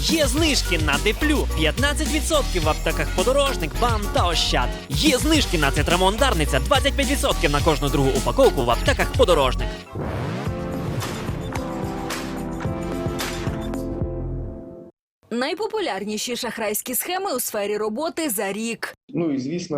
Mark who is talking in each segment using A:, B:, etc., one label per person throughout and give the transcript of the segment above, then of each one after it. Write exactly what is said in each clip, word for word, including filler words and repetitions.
A: Є знижки на Деплю п'ятнадцять відсотків в аптеках Подорожник, БАМ та Ощад. Є знижки на Цитрамон Дарниця двадцять п'ять відсотків на кожну другу упаковку в аптеках Подорожник.
B: Найпопулярніші шахрайські схеми у сфері роботи за рік.
C: Ну і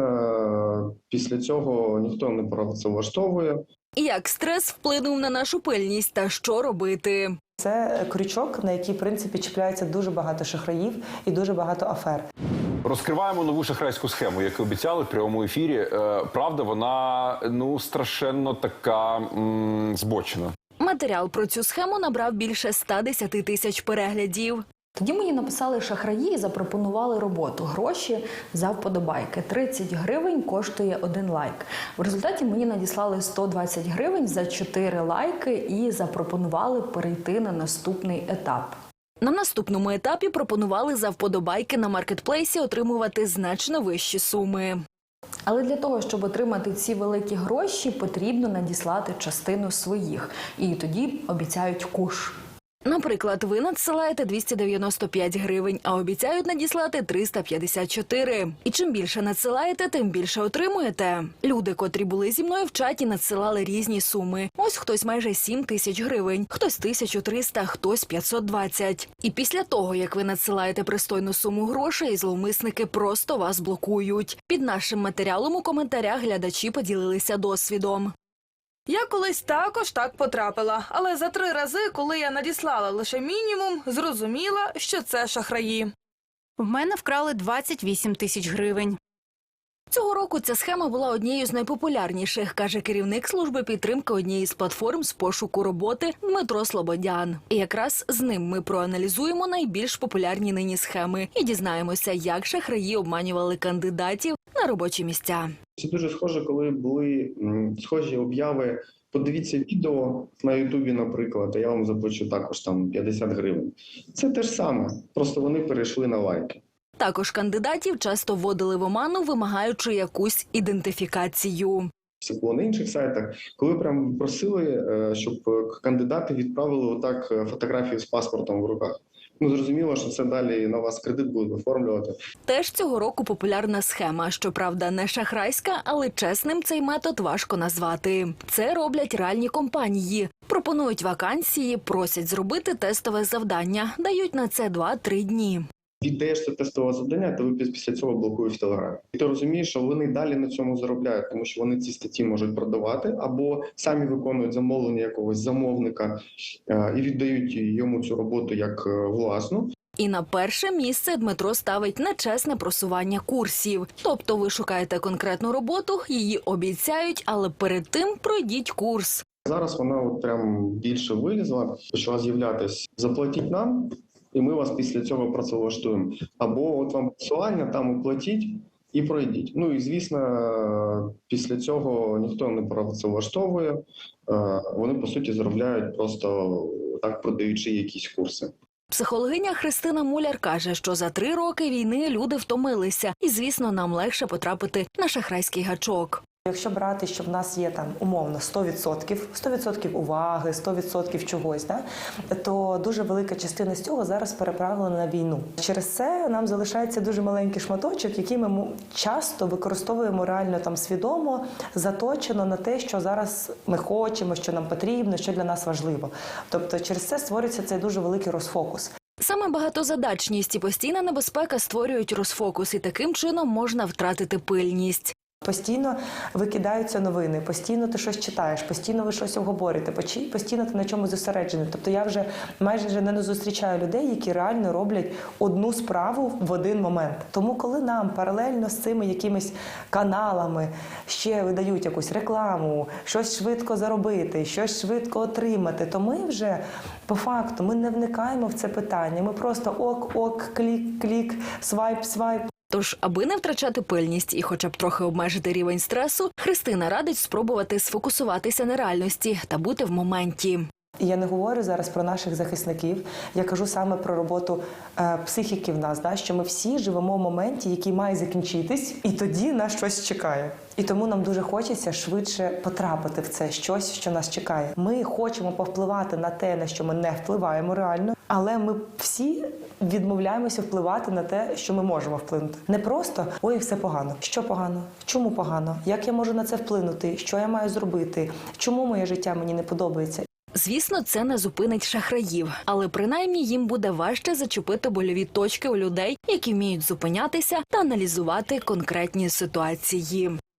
C: звісно, після цього ніхто не працевлаштовує.
B: Як стрес вплинув на нашу пильність та що робити?
D: Це крючок, на який, в принципі, чіпляється дуже багато шахраїв і дуже багато афер.
E: Розкриваємо нову шахрайську схему, яку обіцяли в прямому ефірі. Е, правда, вона, ну, страшенно така м, збочена.
B: Матеріал про цю схему набрав більше ста десяти тисяч переглядів.
F: Тоді мені написали шахраї і запропонували роботу. Гроші за вподобайки. тридцять гривень коштує один лайк. В результаті мені надіслали сто двадцять гривень за чотири лайки і запропонували перейти на наступний етап.
B: На наступному етапі пропонували за вподобайки на маркетплейсі отримувати значно вищі суми.
F: Але для того, щоб отримати ці великі гроші, потрібно надіслати частину своїх. І тоді обіцяють куш.
B: Наприклад, ви надсилаєте двісті дев'яносто п'ять гривень, а обіцяють надіслати триста п'ятдесят чотири. І чим більше надсилаєте, тим більше отримуєте. Люди, котрі були зі мною в чаті, надсилали різні суми. Ось хтось майже сім тисяч гривень, хтось тисячу триста, хтось п'ятсот двадцять. І після того, як ви надсилаєте пристойну суму грошей, зловмисники просто вас блокують. Під нашим матеріалом у коментарях глядачі поділилися досвідом.
G: Я колись також так потрапила, але за три рази, коли я надіслала лише мінімум, зрозуміла, що це шахраї.
H: В мене вкрали двадцять вісім тисяч гривень.
B: Цього року ця схема була однією з найпопулярніших, каже керівник служби підтримки однієї з платформ з пошуку роботи Дмитро Слободян. І якраз з ним ми проаналізуємо найбільш популярні нині схеми і дізнаємося, як шахраї обманювали кандидатів на робочі місця.
C: Це дуже схоже, коли були м, схожі обяви. Подивіться відео на Ютубі, наприклад, а я вам заплачу також там п'ятдесят гривень. Це те ж саме, просто вони перейшли на лайки.
B: Також кандидатів часто вводили в оману, вимагаючи якусь ідентифікацію.
C: Це було на інших сайтах, коли прям просили, щоб кандидати відправили отак фотографію з паспортом в руках. Ну, зрозуміло, що це далі на вас кредит будуть оформлювати.
B: Теж цього року популярна схема. Щоправда, не шахрайська, але чесним цей метод важко назвати. Це роблять реальні компанії. Пропонують вакансії, просять зробити тестове завдання. Дають на це два-три дні.
C: Віддаєш це тестове завдання, то ви після цього блокують в Телеграмі. І ти розумієш, що вони далі на цьому заробляють, тому що вони ці статті можуть продавати або самі виконують замовлення якогось замовника і віддають йому цю роботу як власну.
B: І на перше місце Дмитро ставить нечесне просування курсів. Тобто ви шукаєте конкретну роботу, її обіцяють, але перед тим пройдіть курс.
C: Зараз вона от прям більше вилізла, почала з'являтись «заплатіть нам», і ми вас після цього працевлаштуємо. Або от вам посилання, там оплатіть і пройдіть. Ну і, звісно, після цього ніхто не працевлаштовує. Вони, по суті, заробляють просто так, продаючи якісь курси.
B: Психологиня Христина Муляр каже, що за три роки війни люди втомилися. І, звісно, нам легше потрапити на шахрайський гачок.
D: Якщо брати, що в нас є там умовно сто відсотків, сто відсотків уваги, сто відсотків чогось, да, то дуже велика частина з цього зараз переправлена на війну. Через це нам залишається дуже маленький шматочок, який ми часто використовуємо реально там свідомо, заточено на те, що зараз ми хочемо, що нам потрібно, що для нас важливо. Тобто через це створюється цей дуже великий розфокус.
B: Саме багатозадачність і постійна небезпека створюють розфокус, і таким чином можна втратити пильність.
D: Постійно викидаються новини, постійно ти щось читаєш, постійно ви щось обговорюєте, постійно ти на чомусь зосереджений. Тобто я вже майже не зустрічаю людей, які реально роблять одну справу в один момент. Тому коли нам паралельно з цими якимись каналами ще видають якусь рекламу, щось швидко заробити, щось швидко отримати, то ми вже по факту ми не вникаємо в це питання. Ми просто ок-ок, клік-клік, свайп-свайп.
B: Тож, аби не втрачати пильність і хоча б трохи обмежити рівень стресу, Христина радить спробувати сфокусуватися на реальності та бути в моменті.
D: І я не говорю зараз про наших захисників, я кажу саме про роботу е, психіки в нас, да, що ми всі живемо в моменті, який має закінчитись, і тоді нас щось чекає. І тому нам дуже хочеться швидше потрапити в це щось, що нас чекає. Ми хочемо повпливати на те, на що ми не впливаємо реально, але ми всі відмовляємося впливати на те, що ми можемо вплинути. Не просто «ой, все погано». Що погано? Чому погано? Як я можу на це вплинути? Що я маю зробити? Чому моє життя мені не подобається?
B: Звісно, це не зупинить шахраїв, але принаймні їм буде важче зачепити больові точки у людей, які вміють зупинятися та аналізувати конкретні ситуації.